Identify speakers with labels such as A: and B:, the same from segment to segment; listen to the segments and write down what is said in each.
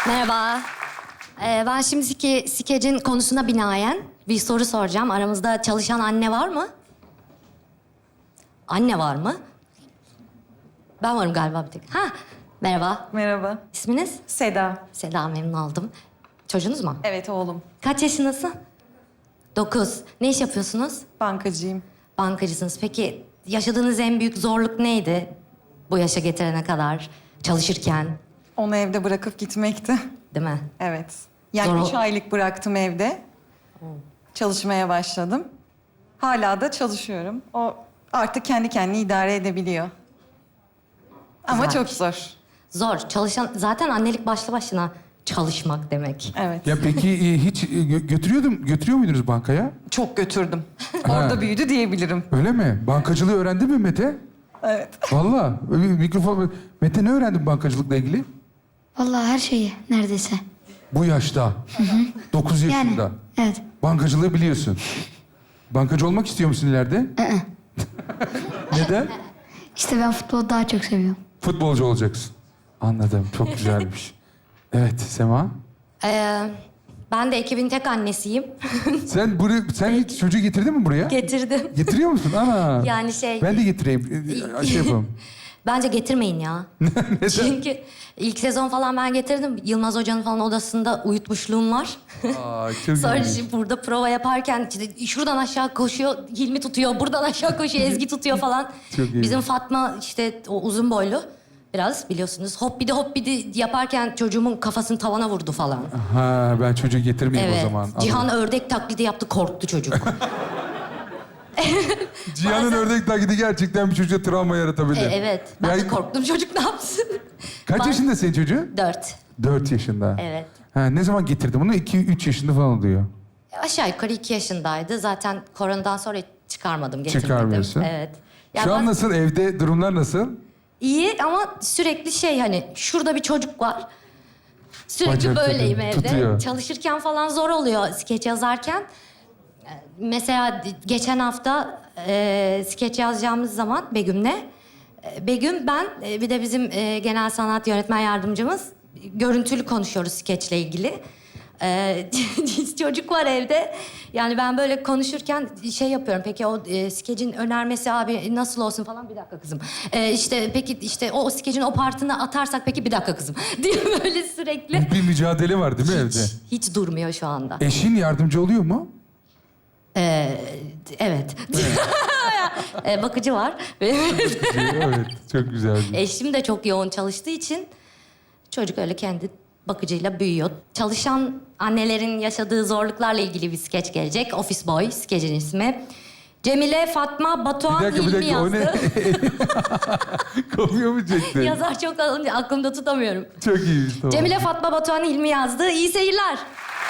A: Merhaba. Ben şimdiki skecin konusuna binaen bir soru soracağım. Aramızda çalışan anne var mı? Anne var mı? Ben varım galiba bir tek. Ha, merhaba.
B: Merhaba.
A: İsminiz?
B: Seda.
A: Seda, memnun oldum. Çocuğunuz mu?
B: Evet oğlum.
A: Kaç yaşındasın? 9. Ne iş yapıyorsunuz?
B: Bankacıyım.
A: Bankacısınız. Peki yaşadığınız en büyük zorluk neydi? Bu yaşa getirene kadar çalışırken,
B: Onu evde bırakıp gitmekti.
A: değil mi?
B: Evet. Yani
A: Zor
B: 3 aylık bıraktım evde. Çalışmaya başladım. Hala da çalışıyorum. O artık kendi kendini idare edebiliyor. Ama
A: Güzel.
B: çok zor.
A: Zor. Çalışan... Zaten annelik başlı başına çalışmak demek.
B: Evet.
C: Ya peki hiç götürüyor muydunuz bankaya?
B: Çok götürdüm. Orada büyüdü diyebilirim.
C: Öyle mi? Bankacılığı öğrendin mi Mete?
B: Evet.
C: Vallahi. Öyle bir mikrofon... Mete ne öğrendin bankacılıkla ilgili?
D: Vallahi her şeyi neredeyse.
C: Bu yaşta. 9 yaşında.
D: Yani evet.
C: Bankacılığı biliyorsun. Bankacı olmak istiyor musun ileride? Neden?
D: İşte ben futbolu daha çok seviyorum.
C: Futbolcu olacaksın. Anladım. Çok güzelmiş. Evet Sema.
A: Ben de ekibin tek annesiyim.
C: Sen hiç çocuğu getirdin mi buraya?
A: Getirdim.
C: Getiriyor musun? Ana.
A: Yani şey...
C: Ben de getireyim. Şey yapalım.
A: Bence getirmeyin ya.
C: Neden?
A: Çünkü ilk sezon falan ben getirdim. Yılmaz Hoca'nın falan odasında uyutmuşluğum var.
C: Aa, çok
A: Sonra
C: ilginç.
A: şimdi burada prova yaparken işte şuradan aşağı koşuyor, Hilmi tutuyor. Buradan aşağı koşuyor, Ezgi tutuyor falan.
C: Çok iyi.
A: Bizim Fatma işte o uzun boylu. Biraz biliyorsunuz. Hoppidi yaparken çocuğumun kafasını tavana vurdu falan.
C: Ha, ben çocuğu getirmeyeyim
A: Evet.
C: o zaman.
A: Cihan ördek taklidi yaptı, korktu çocuk.
C: Cihan'ın ördek taklidi gerçekten bir çocuğa travma yaratabilir.
A: Evet. Ben de
C: Ya-
A: korktum, çocuk ne yapsın?
C: Kaç yaşında senin çocuğun?
A: 4.
C: 4 yaşında.
A: Evet.
C: Ha, ne zaman getirdin bunu? 2-3 yaşında falan oluyor.
A: Aşağı yukarı 2 yaşındaydı. Zaten koronadan sonra çıkarmadım, getirmedim.
C: Çıkarmıyorsun.
A: Evet. Ya
C: Şu an
A: ben-
C: nasıl? Evde durumlar nasıl?
A: İyi ama sürekli şey hani şurada bir çocuk var. Sürekli
C: Bacak
A: böyleyim
C: tutuyor,
A: evde.
C: tutuyor.
A: Çalışırken falan zor oluyor skeç yazarken. Mesela geçen hafta skeç yazacağımız zaman Begüm'le. Begüm, ben bir de bizim genel sanat yönetmen yardımcımız görüntülü konuşuyoruz skeçle ilgili. Çocuk var evde. Yani ben böyle konuşurken şey yapıyorum. Peki o skecin önermesi abi nasıl olsun falan, bir dakika kızım. İşte peki işte o skecin o partını atarsak peki bir dakika kızım. Diye böyle sürekli.
C: Bir mücadele var değil mi evde?
A: Hiç durmuyor şu anda.
C: Eşin yardımcı oluyor mu?
A: Evet. Bakıcı var.
C: Evet, çok güzel.
A: Eşim de çok yoğun çalıştığı için çocuk öyle kendi bakıcıyla büyüyor. Çalışan annelerin yaşadığı zorluklarla ilgili bir skeç gelecek. Office Boy skecin ismi. Cemile, Fatma, Batuhan,
C: Bir
A: Hilmi
C: dakika, o ne?
A: yazdı.
C: Kopya mı çektin?
A: Yazar çok alınca aklımda tutamıyorum.
C: Çok iyiymiş, tamam.
A: Cemile, Fatma, Batuhan, Hilmi yazdı. İyi seyirler.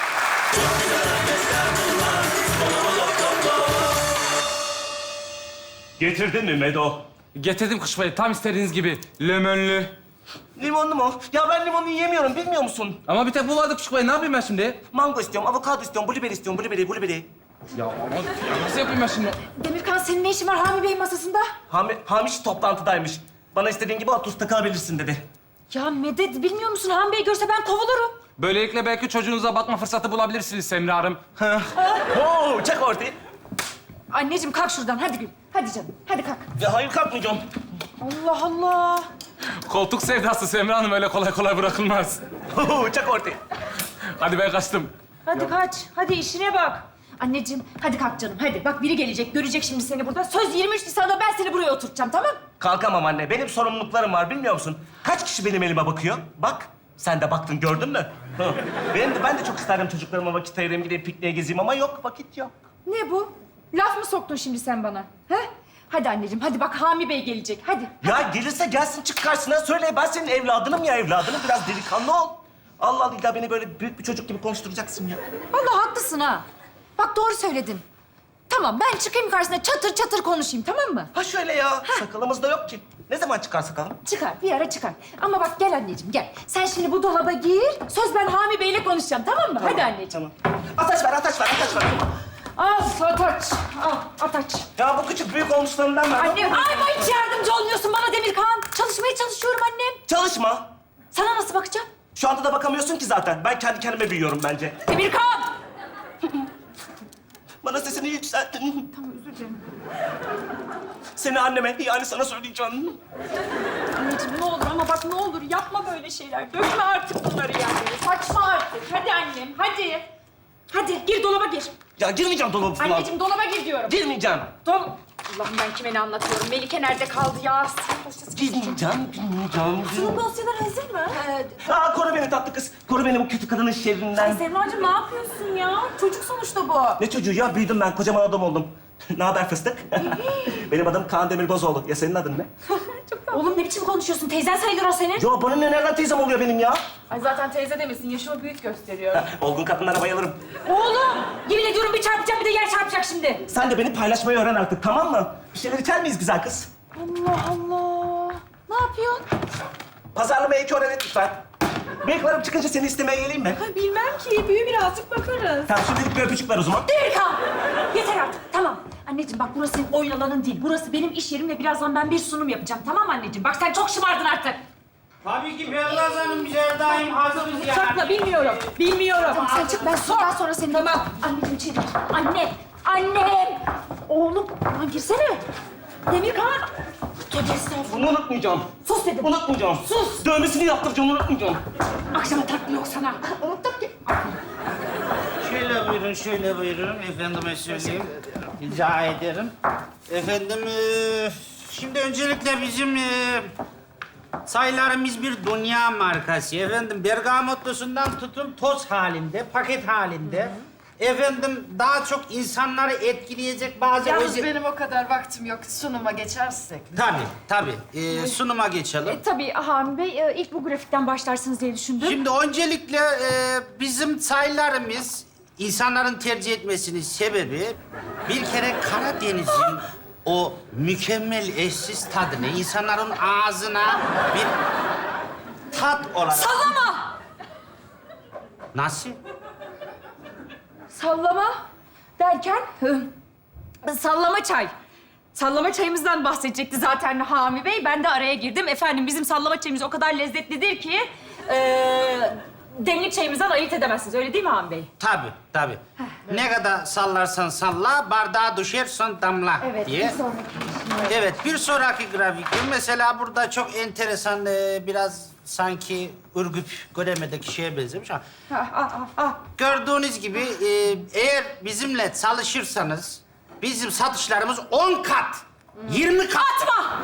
E: Getirdin mi Medo?
F: Getirdim kuş bey, tam istediğiniz gibi. Lemonlu.
E: Limonlu mu? Ya ben limonu yiyemiyorum, bilmiyor musun?
F: Ama bir tek bu vardı kuş bey, ne yapayım ben şimdi?
E: Mango istiyorum, avokado istiyorum, blueberry istiyorum, blueberry.
F: Ya ama ya nasıl yapayım ben şimdi?
G: Demirkan, senin ne işin var Hami Bey masasında?
E: Hamiş toplantıdaymış. Bana istediğin gibi otur takılabilirsin dedi.
G: Ya Medet, bilmiyor musun? Hami Bey görse ben kovulurum.
F: Böylelikle belki çocuğunuza bakma fırsatı bulabilirsiniz Semra Hanım.
E: Oo, çek ortayı.
G: Anneciğim kalk şuradan, hadi gül. Hadi canım, hadi kalk.
E: Ya hayır kalkmayacağım.
G: Allah Allah.
F: Koltuk sevdası Semra Hanım öyle kolay kolay bırakılmaz.
E: Oo, çek ortayı.
F: Hadi ben kaçtım.
G: Hadi kaç, hadi işine bak. Anneciğim, hadi kalk canım, hadi. Bak biri gelecek, görecek şimdi seni burada. Söz 23 Nisan'da ben seni buraya oturtacağım, tamam?
E: Kalkamam anne, benim sorumluluklarım var, bilmiyor musun? Kaç kişi benim elime bakıyor? Bak, sen de baktın, gördün mü? Hı. Ben de çok isterdim çocuklarıma vakit ayırayım, gideyim pikniğe gezeyim ama yok, vakit yok.
G: Ne bu? Laf mı soktun şimdi sen bana? He? Hadi anneciğim, hadi bak Hami Bey gelecek, hadi.
E: Ya gelirse gelsin, çık karşısına söyle. Ben senin evladınım ya, evladınım. Biraz delikanlı ol. Allah Allah, illa beni böyle büyük bir çocuk gibi konuşturacaksın ya.
G: Vallahi haklısın ha. Bak doğru söyledin. Tamam, ben çıkayım karşısına çatır çatır konuşayım, tamam mı?
E: Ha şöyle ya, sakalımız da yok ki. Ne zaman çıkar sakalım?
G: Çıkar, bir ara çıkar. Ama bak gel anneciğim, gel. Sen şimdi bu dolaba gir, söz ben Hami Bey'le konuşacağım, tamam mı? Hadi anneciğim.
E: Tamam. Ataç ver.
G: Al Ataç, al Ataç.
E: Ya bu küçük büyük olmuşlarından ver.
G: Annem, ay hiç yardımcı olmuyorsun bana Demirkan. Çalışmaya çalışıyorum annem.
E: Çalışma.
G: Sana nasıl bakacağım?
E: Şu anda da bakamıyorsun ki zaten. Ben kendi kendime büyüyorum bence.
G: Emirkan!
E: Bana sesini yükselttin. Tamam, özür dilerim. Seni anneme, yani sana söyleyeceğim.
G: Anneciğim ne olur ama bak ne olur yapma böyle şeyler. Dökme artık bunları yani. Saçma artık. Hadi annem, hadi. Hadi gir dolaba gir.
E: Ya girmeyeceğim dolabı falan.
G: Anneciğim dolaba gir diyorum.
E: Girmeyeceğim.
G: Allah'ım ben kime ne anlatıyorum? Melike nerede kaldı ya?
E: Girmeyeceğim.
G: Sunum dosyaları hazır mı?
E: Aa, koru beni tatlı kız. Koru beni bu kötü kadının şerrinden.
G: Semracığım ne yapıyorsun ya? Çocuk sonuçta bu.
E: Ne çocuğu ya? Büyüdüm ben. Kocaman adam oldum. Ne haber fıstık? Benim adım Kaan Demirbozoğlu. Ya senin adın ne?
G: Oğlum ne biçim konuşuyorsun? Teyzen sayılır o senin.
E: Yo, bana ne, nereden teyzem oluyor benim ya?
G: Ay zaten teyze demesin. Yaşımı büyük gösteriyor.
E: Olgun kadınlara bayılırım.
G: Oğlum! Yemin ediyorum bir çarpacak bir de yer çarpacak şimdi.
E: Sen de beni paylaşmayı öğren artık, tamam mı? Bir şeyler içer miyiz güzel kız?
G: Allah Allah. Ne yapıyorsun?
E: Pazarlamayı iki öğren lütfen. Bıyıklarım çıkınca seni istemeye geleyim mi?
G: Ay bilmem ki. Büyü birazcık bakarız.
E: Tamam, şimdilik bir öpücük ver o zaman.
G: Erkan! Yeter artık. Tamam. Anneciğim bak burası senin oyun alanın değil. Burası benim iş yerim ve birazdan ben bir sunum yapacağım. Tamam mı anneciğim? Bak sen çok şımardın artık.
H: Tabii ki Ferraz Hanım, biz her daim hazırız yani.
G: Sakla bilmiyorum. Bilmiyorum. Tamam sen çık ben sonra sonra seni... Tamam. Anneciğim içeri gir. Anne. Annem. Oğlum. Lan girsene. Demirkan. Tövbe estağfurullah.
E: Bunu unutmayacağım.
G: Sus dedim.
E: Unutmayacağım.
G: Sus.
E: Dövmesini yaptıracağım, unutmayacağım.
G: Akşama tatlı yok sana. Unuttum ki.
H: Şöyle buyurun. Efendime söyleyeyim. Rica ederim. Efendim, şimdi öncelikle bizim sayılarımız bir dünya markası. Efendim, bergamotlusundan tutun toz halinde, paket halinde. Efendim, daha çok insanları etkileyecek bazı
I: Yalnız benim o kadar vaktim yok. Sunuma geçersek.
H: Tabii. Sunuma geçelim.
G: Tabii Hami Bey ilk bu grafikten başlarsınız diye düşündüm.
H: Şimdi öncelikle bizim sayılarımız insanların tercih etmesinin sebebi bir kere Karadeniz'in o mükemmel eşsiz tadını insanların ağzına bir tat olarak...
G: Sallama!
H: Nasıl?
G: Sallama derken sallama çay. Sallama çayımızdan bahsedecekti zaten Hami Bey. Ben de araya girdim. Efendim bizim sallama çayımız o kadar lezzetlidir ki demlik çayımızdan ayırt edemezsiniz. Öyle değil mi Hami Bey?
H: Tabii. Ne kadar sallarsan salla, bardağa düşer son damla diye. Evet, bir sonraki grafikte mesela burada çok enteresan, biraz sanki Ürgüp Göreme'deki şeye benzemiş ama... Gördüğünüz gibi eğer bizimle çalışırsanız bizim satışlarımız 10 kat, 20 kat...
G: Atma!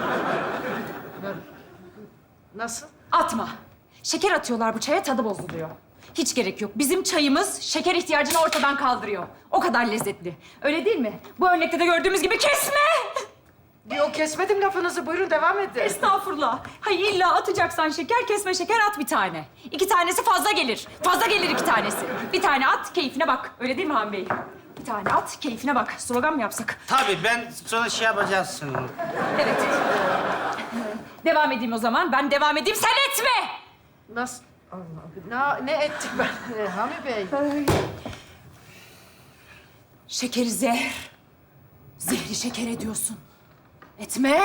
I: Nasıl?
G: Atma. Şeker atıyorlar bu çaya, tadı bozuluyor. Hiç gerek yok. Bizim çayımız şeker ihtiyacını ortadan kaldırıyor. O kadar lezzetli. Öyle değil mi? Bu örnekte de gördüğümüz gibi kesme!
I: Yok kesmedim lafınızı. Buyurun devam edin.
G: Estağfurullah. Hayır illa atacaksan şeker, kesme şeker at bir tane. 2 tanesi fazla gelir. Fazla gelir 2 tanesi. Bir tane at, keyfine bak. Öyle değil mi Han Bey? Bir tane at, keyfine bak. Slogan mı yapsak?
H: Tabii, ben sonra şey yapacağız.
G: Evet. Devam edeyim o zaman. Ben devam edeyim, sen etme!
I: Nasıl? Allah, ne ettik ben Hami Bey?
G: Şekeri zehir. Zehri şeker ediyorsun. Etme!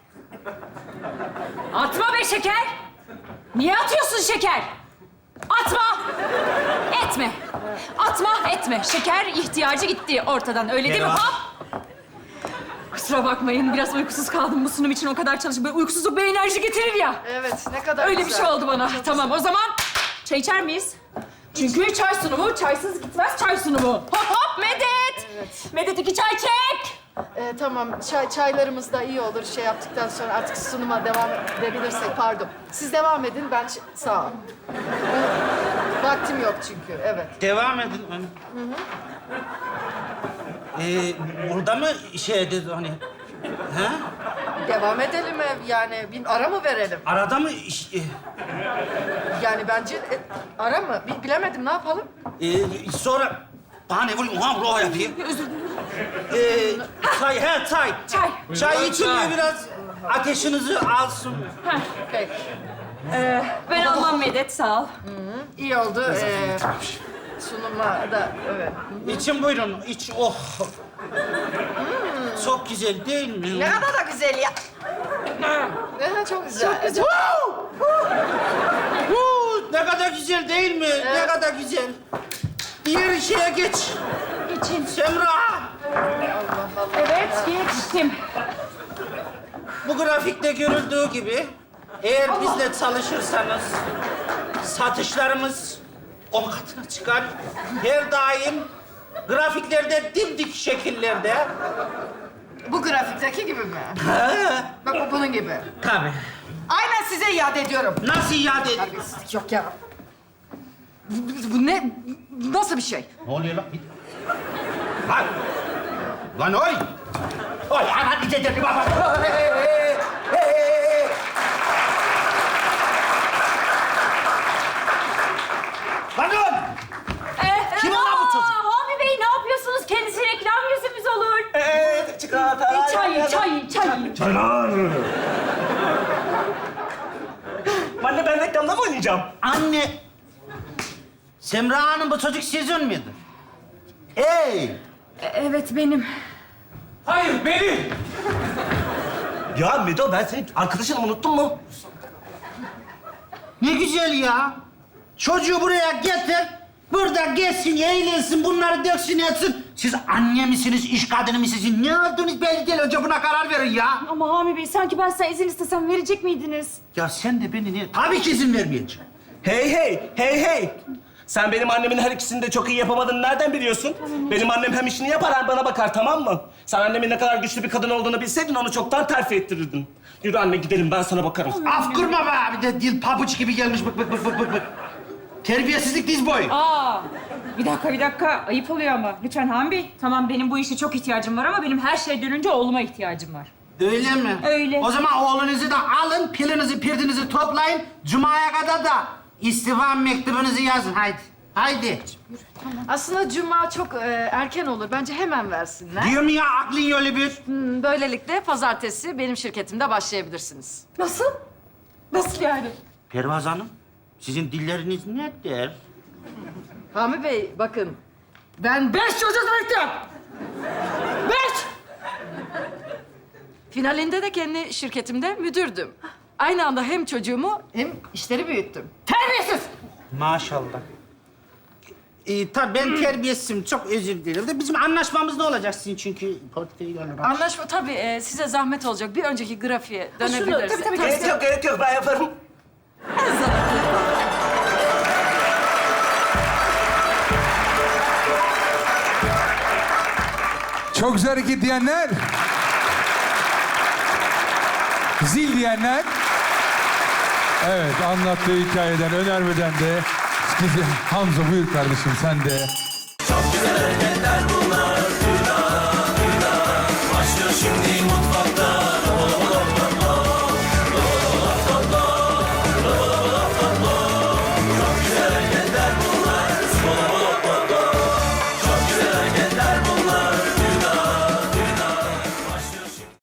G: Atma be şeker! Niye atıyorsun şeker? Atma! Etme! Atma, etme. Şeker ihtiyacı gitti ortadan. Öyle değil mi? Hop! Kusura bakmayın. Biraz uykusuz kaldım bu sunum için. O kadar çalıştım. Böyle uykusuzluk bir enerji getirir ya.
I: Evet, ne kadar
G: Öyle
I: güzel.
G: bir şey oldu bana.
I: Çok
G: Tamam, o zaman çay içer miyiz? Çünkü çay sunumu, çaysız gitmez çay sunumu. Hop hop Medet!
I: Evet.
G: Medet 2 çay çek!
I: Tamam, çaylarımız da iyi olur. Şey yaptıktan sonra artık sunuma devam edebilirsek, pardon. Siz devam edin, ben... Sağ ol. Vaktim yok çünkü, evet.
H: Devam edin. Burada mı şey dedi hani? Ha?
I: Devam edelim yani. Bir ara mı verelim?
H: Arada mı
I: Yani bence ara mı? Bilemedim, ne yapalım?
H: sonra bana ne vurayım? Ulan bro yapayım. Çay, çay.
G: Çay.
H: Çay için mi biraz ateşinizi alsın?
I: Peki.
G: Ben almam Medet, sağ ol.
I: İyi oldu. Sunuma da, evet.
H: İçin buyurun, iç. Oh. Çok güzel değil mi?
I: Ne kadar da güzel ya. Çok güzel. Çok güzel.
H: Ne kadar güzel değil mi? Ne kadar güzel. Diğer şeye geç.
G: Geçin.
H: Semra,
G: Evet, geçtim.
H: bu grafikte görüldüğü gibi eğer bizle çalışırsanız satışlarımız 10 katına çıkar. Her daim grafiklerde dimdik şekillerde.
I: Bu grafikteki gibi mi? Bak bu bunun gibi.
H: Tabii.
I: Aynen size iade ediyorum.
H: Nasıl iade edeyim?
I: Terbiyesizlik yok ya. Bu ne? Nasıl bir şey?
H: Ne oluyor lan? Lan! Lan oy! Oy aman gidelim baba! Lan oğlum! Kim lan bu çocuk?
G: Hami Bey ne yapıyorsunuz? Kendisi reklam yüzümüz olur.
E: Çikolata.
G: Çay.
E: Anne ben reklamda mı oynayacağım?
H: Anne! Semra Hanım bu çocuk sizin miydi? Hey!
G: Evet benim.
F: Hayır, benim.
E: Ya Medo ben senin arkadaşını unuttun mu?
H: Ne güzel ya! Çocuğu buraya getir, burada gezsin, eğlensin, bunları döksün etsin. Siz anne misiniz, iş kadını mısınız? Ne olduğunuz belli değil. Önce buna karar verin ya.
G: Ama Hami Bey sanki ben size izin istesem verecek miydiniz?
H: Ya sen de beni ne... Tabii ki izin vermeyeceğim.
E: Hey. Sen benim annemin her ikisini de çok iyi yapamadığını nereden biliyorsun? Benim annem hem işini yapar hem bana bakar, tamam mı? Sen annemin ne kadar güçlü bir kadın olduğunu bilseydin onu çoktan terfi ettirirdin. Yürü anne gidelim, ben sana bakarım.
H: Af kurma be! Bir de dil pabuç gibi gelmiş bık. Terbiyesizlik diz boyu.
G: Bir dakika. Ayıp oluyor ama. Lütfen Hami Bey. Tamam benim bu işe çok ihtiyacım var ama benim her şeyden önce oğluma ihtiyacım var.
H: Öyle mi?
G: Öyle.
H: O zaman oğlunuzu da alın, pilinizi, pirdinizi toplayın. Cuma'ya kadar da istifa mektubunuzu yazın. Haydi.
I: Aslında cuma çok erken olur. Bence hemen versinler.
H: Diyorum ya aklın yolu bir.
I: Böylelikle pazartesi benim şirketimde başlayabilirsiniz.
G: Nasıl? Nasıl yani?
H: Pervaz Hanım, sizin dilleriniz nedir?
I: Hami Bey bakın. Ben 5 çocuk büyüttüm. 5! Finalinde de kendi şirketimde müdürdüm. Aynı anda hem çocuğumu hem işleri büyüttüm. Terbiyesiz!
H: Maşallah. Tabii ben terbiyesizim, çok özür dilerim. De bizim anlaşmamız ne olacak sizin çünkü portföy olarak?
I: Anlaşma tabii size zahmet olacak. Bir önceki grafiğe dönebiliriz.
G: tabii.
E: Gerek yok, ben yaparım.
C: Çok güzel hareket diyenler. Zil diyenler. Evet, anlattığı hikayeden, önermeden de... Hamza buyur kardeşim, sen de